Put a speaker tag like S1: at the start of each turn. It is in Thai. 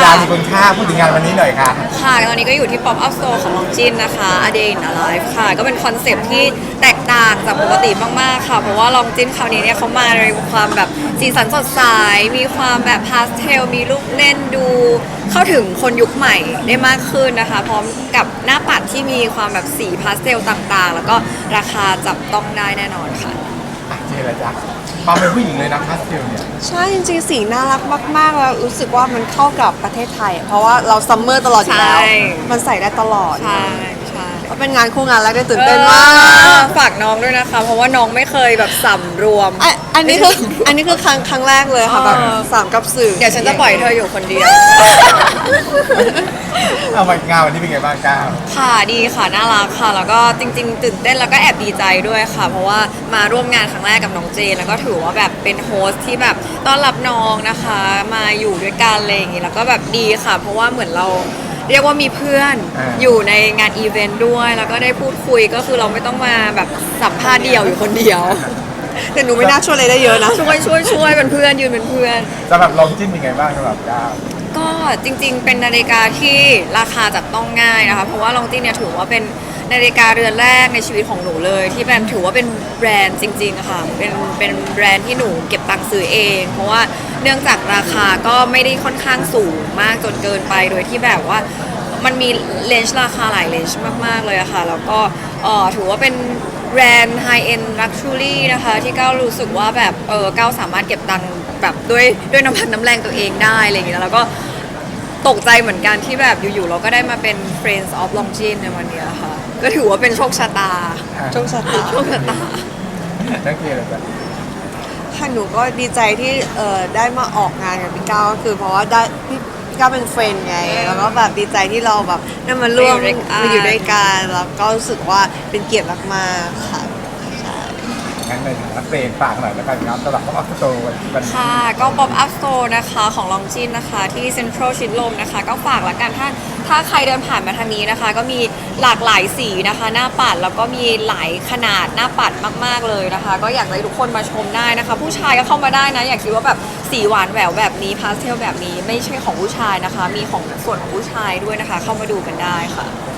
S1: ามีคุณค่าพูดถึงงานวันนี้หน่อยค่ะ
S2: ค่ะตอนนี้ก็อยู่ที่ Pop Up Store ของลองจินนะคะ A Day in a Life ค่ะก็เป็นคอนเซปต์ที่แตกต่างจากปกติมากๆค่ะเพราะว่าลองจินคราวนี้เนี่ยเขามาในความแบบสีสันสดใสมีความแบบพาสเทลมีลูกเล่นดูเข้าถึงคนยุคใหม่ได้มากขึ้นนะคะพร้อมกับหน้าปัดที่มีความแบบสีพาสเทลต่างๆแล้วก็ราคาจับต้องได้แน่นอนค่ะ
S1: เจอแล้วจ้ะความเป็นผู้หญิงเลยนะพาสเทลเนี่ย
S3: ใช่จริงๆสีน่ารักมากๆแล้วรู้สึกว่ามันเข้ากับประเทศไทย เพราะว่าเราซัมเมอร์ตลอดอยู่แล้วมันใส่ได้ตลอด
S2: ใช่
S3: ก็เป็นงานคู่งานแรกได้ตื่นเต้นมาก
S2: ฝากน้องด้วยนะคะเพราะว่าน้องไม่เคยแบบสำรวม
S3: อันนี้คือครั้งแรกเลยค่ะแบบสามกับสื่อ
S2: เดี๋ยวฉันจะปล่อยเธออยู่คนเดียว
S1: เอามางานวันนี้เป็นไงบ้างก้าว
S2: ค่ะดีค่ะน่ารักค่ะแล้วก็จริงๆตื่นเต้นแล้วก็แอบดีใจด้วยค่ะเพราะว่ามาร่วมงานครั้งแรกกับน้องเจนแล้วก็ถือว่าแบบเป็นโฮสที่แบบต้อนรับน้องนะคะมาอยู่ด้วยกันอะไรอย่างงี้แล้วก็แบบดีค่ะเพราะว่าเหมือนเราเรียกว่ามีเพื่อนอยู่ในงานอีเวนต์ด้วยแล้วก็ได้พูดคุยก็คือเราไม่ต้องมาแบบสัมภาษณ์เดี่ยวอยู่คนเดียว
S3: แต่หนูไม่น่าช่วยอะไรได้เยอะนะ
S2: ช่วยเป็นเพื่อนยืนเป็นเพื่อน
S1: สำหรับลองจิ้นเป็นไงบ้างสำหรับก้าว
S2: ก็จริงๆเป็นนาฬิกาที่ราคาจับต้องง่ายนะคะเพราะว่าลองจิ้นเนี่ยถือว่าเป็นนาฬิกาเรือนแรกในชีวิตของหนูเลยที่แบบถือว่าเป็นแบรนด์จริงๆค่ะเป็นแบรนด์ที่หนูเก็บตังค์ซื้อเองเพราะว่าเนื่องจากราคาก็ไม่ได้ค่อนข้างสูงมากจนเกินไปโดยที่แบบว่ามันมีเลนส์ราคาหลายเลนส์มากๆเลยอะค่ะแล้วก็ถือว่าเป็นแบรนด์ไฮเอ็นลักชัวรี่นะคะที่ก้าวรู้สึกว่าแบบก้าวสามารถเก็บตังค์แบบด้วยน้ำพันน้ำแรงตัวเองได้อะไรอย่างเงี้ยแล้วก็ตกใจเหมือนกันที่แบบอยู่ๆเราก็ได้มาเป็น Friends of Longines ในวันนี้ค่ะก็ถือว่าเป็นโชคชะตา
S3: โชคชะตา
S1: นักเรียนเลยจ้ะ
S3: ค่ะหนูก็ดีใจที่ได้มาออกงานกับพี่ก้าวก็คือเพราะว่าได้พี่ก้าวเป็นเฟรนด์ไงแล้วก็แบบดีใจที่เราแบบได้มาร่วมมาอยู่ด้วยกันแล้วก็รู้สึกว่าเป็นเกียรติมากๆค่ะ
S1: งั้นในฐานะเฟรนฝากหน่อยแล้วกันครับสำหรับป๊อปอัพสโตร์วันนี้
S2: ค่ะก็ Pop Up Store นะคะของลองจินนะคะที่เซ็นทรัลชิดลมนะคะก็ฝากละกันถ้าใครเดินผ่านมาทางนี้นะคะก็มีหลากหลายสีนะคะหน้าปัดแล้วก็มีหลายขนาดหน้าปัดมากๆเลยนะคะก็อยากให้ทุกคนมาชมได้นะคะผู้ชายก็เข้ามาได้นะอยากคิดว่าแบบสีหวานแหววแบบนี้พาสเทลแบบนี้ไม่ใช่ของผู้ชายนะคะมีของส่วนของผู้ชายด้วยนะคะเข้ามาดูกันได้ค่ะ